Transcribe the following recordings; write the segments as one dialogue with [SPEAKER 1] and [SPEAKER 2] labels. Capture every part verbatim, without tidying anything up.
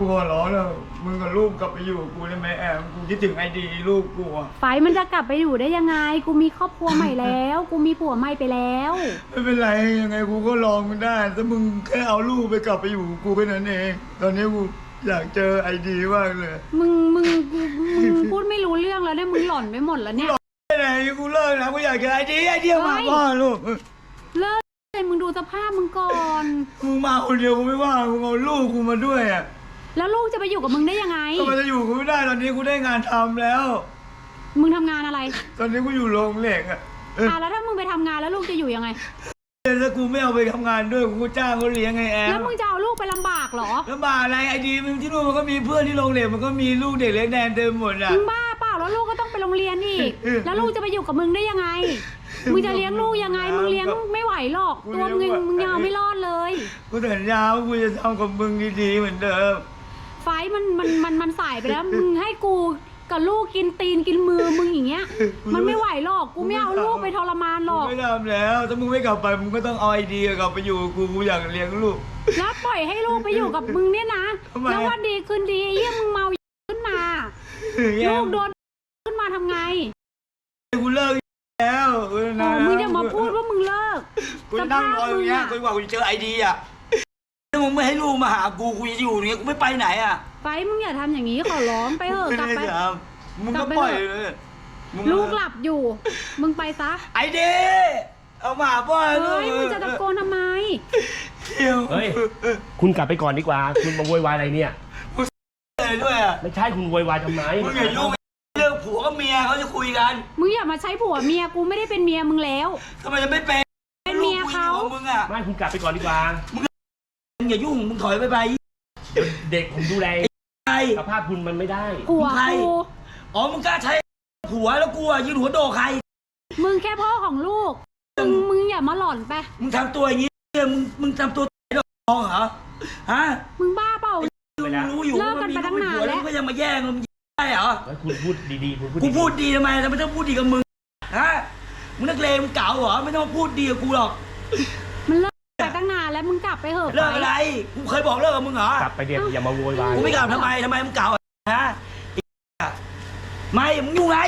[SPEAKER 1] กูขอร้องแล้วมึงกับลูกกลับไปอยู่กับกูได้ไหมแอมกูคิดถึงไอดีลูกกูอะ
[SPEAKER 2] ไฟมันจะกลับไปอยู่ได้ยังไงกูมีครอบครัวใหม่แล้วกูมีผัวใหม่ไปแล้ว
[SPEAKER 1] ไม่เป็นไรยังไงกูก็ลองมึงได้ถ้ามึงแค่เอาลูกไปกลับไปอยู่กับกูแค่นั้นเองตอนนี้กูอยากเจอไอดีมากเลย
[SPEAKER 2] มึงมึงมึงพูดไม่รู้เรื่องแล้วเนี่ยมึงหล่อนไปหมดแล้วเนี่ย
[SPEAKER 1] ไม่ไหนกูเลิกนะกูอยากเจอไอดีไอเดียวมาพ่อลูก
[SPEAKER 2] เลิกเลยมึงดูสภาพมึงก่อน
[SPEAKER 1] มึงมาคนเดียวกูไม่ว่ามึงเอาลูกกูมาด้วยอ่ะ
[SPEAKER 2] แล้วลูกจะไปอยู่กับมึงได้ยังไง
[SPEAKER 1] ก็มันจะอยู่กูไม่ได้ตอนนี้กูได้งานทำแล้ว
[SPEAKER 2] มึงทำงานอะไร
[SPEAKER 1] ตอนนี้กูอยู่โรงเหล็กอ่ะ
[SPEAKER 2] อ่ะแล้วถ้ามึงไปทำงานแล้วลูกจะอยู่ยังไง
[SPEAKER 1] ถ้ากูไม่เอาไปทำงานด้วยกูจ้างเขาเลี้ยงไงแอม
[SPEAKER 2] แล้วมึงจะเอาลูกไปลำบากเหรอ
[SPEAKER 1] ลำบากอะไรไอดีมึงที่นู่นมันก็มีเพื่อนที่โรงเหล็กมันก็มีลูกเด็กเล็กแดงเต็มหมดอ่ะ
[SPEAKER 2] มึงบ้าเปล่าแล้วลูกก็ต้องไปโรงเรียนอีกแล้วลูกจะไปอยู่กับมึงได้ยังไงมึงจะเลี้ยงลูกยังไงมึงเลี้ยงไม่ไหวหรอกตัวมึงมึงยังไม่รอดเลย
[SPEAKER 1] กูสัญญาว่ากูจะทำกับมึงดีๆเหมือนเดิม
[SPEAKER 2] ไฟมันมันมันมันสายไปแล้วมึงให้กูกับลูกกินตีนกินมือมึงอย่างเงี้ยมันไม่ไหวหรอกกูไม่เอาลูกไปทรมานหรอก
[SPEAKER 1] ไม่ทำแล้วถ้ามึงไม่กลับไปมึงก็ต้องเอาไอเดียกลับไปอยู่กูกูอยากเลี้ยงลูก
[SPEAKER 2] แล้วปล่อยให้ลูกไปอยู่กับมึงเนี่ยนะแล้ววันดีคืนดีเยี่ยมึงเมาขึ้นมาลูกโดนขึ้นมาทำไง
[SPEAKER 1] กูเลิกแล้ว
[SPEAKER 2] นะมึงจะมาพูดว่ามึงเลิก
[SPEAKER 1] กูนั่งรออย่างเงี้ยกูว่ากูจะเจอไอเดียอ่ะถ้ามึงไม่ให้ลูกมาหากูกูจะอยู่อย่างเงี้ยกูไม่ไปไหนอ่ะ
[SPEAKER 2] ไปมึงอย่าทำอย่างนี้ขอร้องไปเถอะกลับไป
[SPEAKER 1] มึงก็ปล่อยเลย
[SPEAKER 2] ลูกหลับอยู่มึงไปซะ
[SPEAKER 1] ไอเดียเอามาพ่อ
[SPEAKER 2] เฮ้ยมึงจะตะโกนทำไม
[SPEAKER 3] เฮ้ยคุณกลับไปก่อนดีกว่าคุณมาโวยวายอะไรเนี่ย
[SPEAKER 1] อะไรด้วยอ่ะ
[SPEAKER 3] ไม่ใช่คุณโวยวายทำไม
[SPEAKER 1] มึงอย่ายุ่งเรื่องผัวกับเมียเขาจะคุยกัน
[SPEAKER 2] มึงอย่ามาใช้ผัวเมียกูไม่ได้เป็นเมียมึงแล้ว
[SPEAKER 1] ทำไมจะไม่เป็น
[SPEAKER 2] เป็นเมียเขา
[SPEAKER 1] มึงอ่ะ
[SPEAKER 3] ไม่คุณกลับไปก่อนดีกว่า
[SPEAKER 1] มึงอย่ายุ่งมึงถอยไปไป
[SPEAKER 3] เด็กผมดูแลสภาพคุณมันไม่ได้
[SPEAKER 2] ผัวกู
[SPEAKER 1] อ๋อมึงกล้าใช้ผัวแล้วกูอ่ะยืนหัวโดใคร
[SPEAKER 2] มึงแค่พ่อของลูกมึงมึงอย่ามาหล่อนไป
[SPEAKER 1] มึงทำตัวอย่างนี้มึงมึงทำตัวดอกเหรอฮะ
[SPEAKER 2] มึงบ้าเปล่า
[SPEAKER 1] รู้อยู่
[SPEAKER 2] เลิกกันไปตั้งนานแล้ว
[SPEAKER 1] ก็ยังมาแย่งมึงได้เหรอ
[SPEAKER 3] คุณพูดดีๆคุณพูด
[SPEAKER 1] กูพูดดีทำไมทำไมต้องพูดดีกับมึงฮะมึงนักเลงมึงเก่าเหรอไม่ต้องพูดดีกับกูหรอก
[SPEAKER 2] มันเลิกไปตั้งนานแล้วมึงกลับไปเถอะ
[SPEAKER 1] เลิกอะไรกูเคยบอกเลิกกับมึงเหรอก
[SPEAKER 3] ลับไปเดี๋ยวอย่ามาโวยวาย
[SPEAKER 1] กูไม่กลับทำไมทำไมมึงเก่าฮะไม่มึงยุ่งไร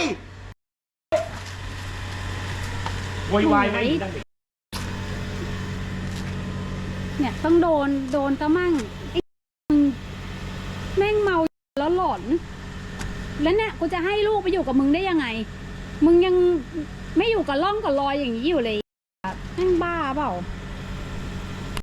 [SPEAKER 3] โวยวายไม่
[SPEAKER 2] เนี่ยต้องโดนโดนตะมั่งมึงแม่งเมาแล้วหลอนแล้วเนี่ยกูจะให้ลูกไปอยู่กับมึงได้ยังไงมึงยังไม่อยู่กับร่องกับรอยอย่างนี้อยู่เลยแม่งบ้าเปล่า